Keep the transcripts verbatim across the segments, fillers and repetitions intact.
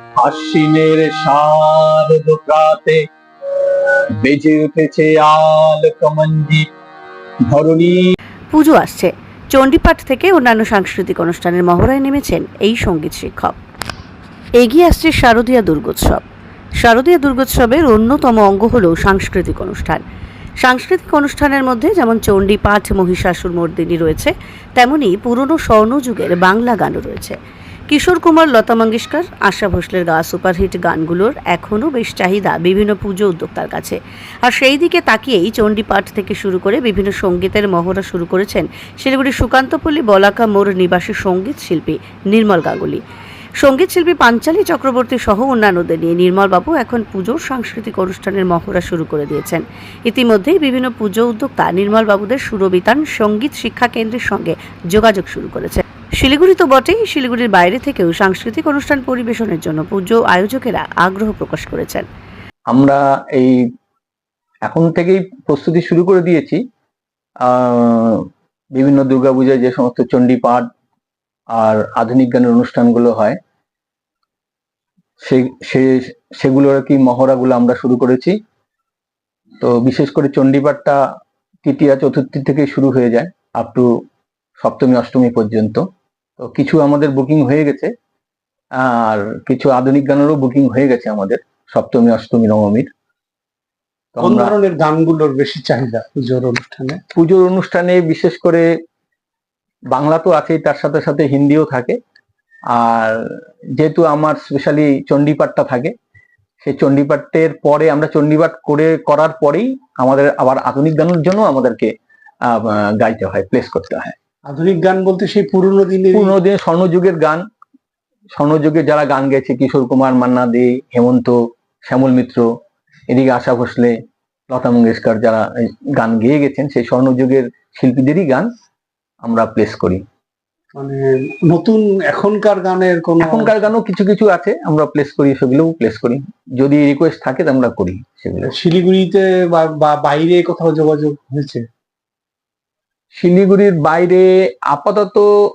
আশ্বিনের শারদ প্রাতে বেজে উঠেছে আল কমঞ্জিত ধরণী। পুজো আসছে, চণ্ডীপাঠ থেকে অন্যান্য সাংস্কৃতিক অনুষ্ঠানের মহড়ায় নেমেছেন এই সঙ্গীত শিক্ষক। এগিয়ে আসছে শারদীয়া দুর্গোৎসব। শারদীয়া দুর্গোৎসবের অন্যতম অঙ্গ হল সাংস্কৃতিক অনুষ্ঠান। সাংস্কৃতিক অনুষ্ঠানের মধ্যে যেমন চণ্ডীপাঠ, মহিষাসুর মর্দিনী রয়েছে, তেমনি পুরনো স্বর্ণযুগের বাংলা গানও রয়েছে। কিশোর কুমার, লতা মঙ্গেশকর, আশা ভোসলের গাওয়া সুপারহিট গানগুলোর এখনও বেশ চাহিদা বিভিন্ন পুজো উদ্যোক্তার কাছে। আর সেই দিকে তাকিয়েই চণ্ডীপাঠ থেকে শুরু করে বিভিন্ন সঙ্গীতের মহড়া শুরু করেছেন শিলিগুড়ির সুকান্তপল্লী বলাকা মোড় নিবাসী সঙ্গীত শিল্পী নির্মল গাঙ্গুলি। সঙ্গীত শিল্পী পাঞ্চালী চক্রবর্তী সহ অন্যান্যদের নিয়ে নির্মলবাবু এখন পুজোর সাংস্কৃতিক অনুষ্ঠানের মহড়া শুরু করে দিয়েছেন। ইতিমধ্যেই বিভিন্ন পুজো উদ্যোক্তা নির্মলবাবুদের সুরবিতান সঙ্গীত শিক্ষা কেন্দ্রের সঙ্গে যোগাযোগ শুরু করেছে। শিলিগুড়ি তো বটেই, শিলিগুড়ির বাইরে থেকেও সাংস্কৃতিক অনুষ্ঠান পরিবেশনের জন্য পুজো আয়োজকেরা আগ্রহ প্রকাশ করেছেন। আমরা এই এখন থেকেই প্রস্তুতি শুরু করে দিয়েছি। বিভিন্ন দুর্গাপূজায় যে সমস্ত চণ্ডীপাঠ আর আধুনিক গানের অনুষ্ঠানগুলো হয়, সে সেগুলোর আর কি মহড়াগুলো আমরা শুরু করেছি। তো বিশেষ করে চণ্ডীপাঠটা তৃতীয়া চতুর্থী থেকে শুরু হয়ে যায় আপ টু সপ্তমী অষ্টমী পর্যন্ত। তো কিছু আমাদের বুকিং হয়ে গেছে, আর কিছু আধুনিক গানেরও বুকিং হয়ে গেছে আমাদের সপ্তমী অষ্টমী নবমীর। কোন ধরনের গানগুলোর বেশি চাহিদা পুজোর অনুষ্ঠানে? পুজোর অনুষ্ঠানে বিশেষ করে বাংলা তো আছেই, তার সাথে সাথে হিন্দিও থাকে। আর যেহেতু আমার স্পেশালি চণ্ডীপাঠটা থাকে, সেই চণ্ডীপাঠের পরে আমরা চণ্ডীপাঠ করে করার পরেই আমাদের আবার আধুনিক গানের জন্য আমাদেরকে গাইতে হয়, প্লেস করতে হয়। আধুনিক গান বলতে সেই পুরনো দিনের পুরনো দিনের স্বর্ণযুগের গান, স্বর্ণযুগে যারা গান গেছে, কিশোর কুমার, মান্না দে, হেমন্ত, শ্যামল মিত্র, এদিকে আশা ভোসলে, লতা মঙ্গেশকর যারা গান গেয়ে গেছেন, সেই স্বর্ণযুগের শিল্পীদেরই গান আমরা প্লেস করি। মানে নতুন এখনকার গানের কোন এখনকার গানও কিছু কিছু আছে, আমরা প্লেস করি, সেগুলোও প্লেস করি। যদি রিকোয়েস্ট থাকে তো আমরা করি সেগুলো। শিলিগুড়িতে বা বাইরে কোথাও যোগাযোগ হয়েছে? শিলিগুড়ির বাইরে আপাতত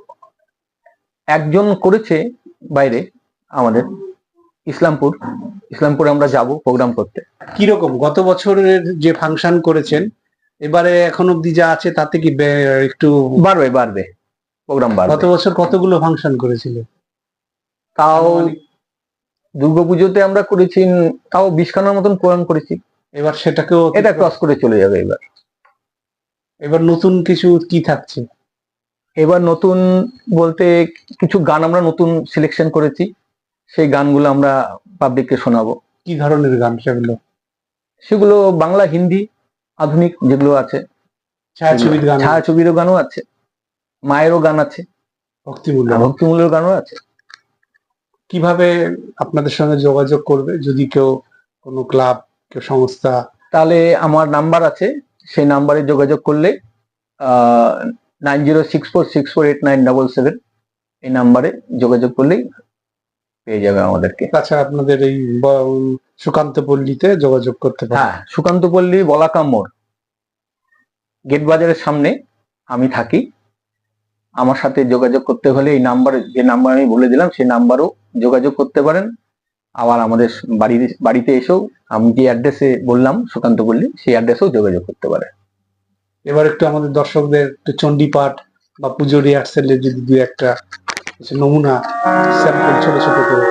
একজন করেছে বাইরে, আমাদের ইসলামপুর। ইসলামপুরে আমরা যাব প্রোগ্রাম করতে। কিরকম গত বছরের যে ফাংশন করেছেন, এবারে এখন অব্দি যা আছে তাতে কি একটু বাড়বে? বাড়বে, প্রোগ্রাম বাড়বে। গত বছর কতগুলো ফাংশন করেছিল? তাও দুর্গাপুজোতে আমরা করেছি তাও বিশ খানার মতন প্রোগ্রাম করেছি। এবার সেটাকেও এটা ক্রস করে চলে যাবে। এবার এবার নতুন কিছু কি থাকছে? এবার নতুন বলতে কিছু গান আমরা নতুন সিলেকশন করেছি, সেই গানগুলো আমরা পাবলিককে শোনাবো। কি ধরনের গান সেগুলো? সেগুলো বাংলা, হিন্দি, আধুনিক যেগুলো আছে। ছায়াছবির গান, ছায়াছবিরও গানও আছে, মায়েরও গান আছে, ভক্তিমূলক ভক্তিমূলক গানও আছে। কিভাবে আপনাদের সঙ্গে যোগাযোগ করবে যদি কেউ, কোনো ক্লাব, কেউ সংস্থা? তাহলে আমার নাম্বার আছে, সেই নাম্বারে যোগাযোগ করলে ah nine zero six four six four eight nine double seven এই নাম্বারে যোগাযোগ করলেই পেয়ে যাবে আমাদেরকে। তাছাড়া আপনাদের এই সুকান্তপল্লীতে যোগাযোগ করতে পারেন। হ্যাঁ, সুকান্তপল্লী বলাকা মোড় গেট বাজারের সামনে আমি থাকি। আমার সাথে যোগাযোগ করতে হলে এই নাম্বারে, যে নাম্বার আমি বলে দিলাম, সেই নাম্বারও যোগাযোগ করতে পারেন। আবার আমাদের বাড়ির বাড়িতে এসেও আমি যে অ্যাড্রেসে বললাম সুকান্তপল্লী, সেই অ্যাড্রেসেও যোগাযোগ করতে পারেন। এবার একটু আমাদের দর্শকদের একটু চণ্ডীপাঠ বা পুজো রিহার্সেলের যদি দু একটা নমুনা স্যাম্পল ছোট ছোট করে।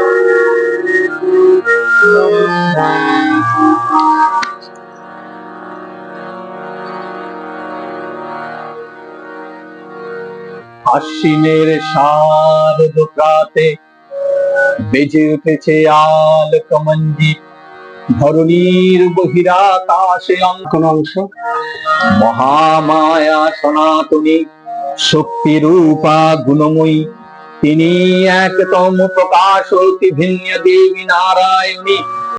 আশ্বিনের শারদ প্রাতে বেজে উঠেছে আল কমঞ্জিত ধরণীর বহিরাকাশে কোন অংশ। মহামায়া সনাতনী শক্তি রূপা গুণময়ী, তিনি একতম প্রকাশ অতি ভিন্ন দেবী নারায়ণী।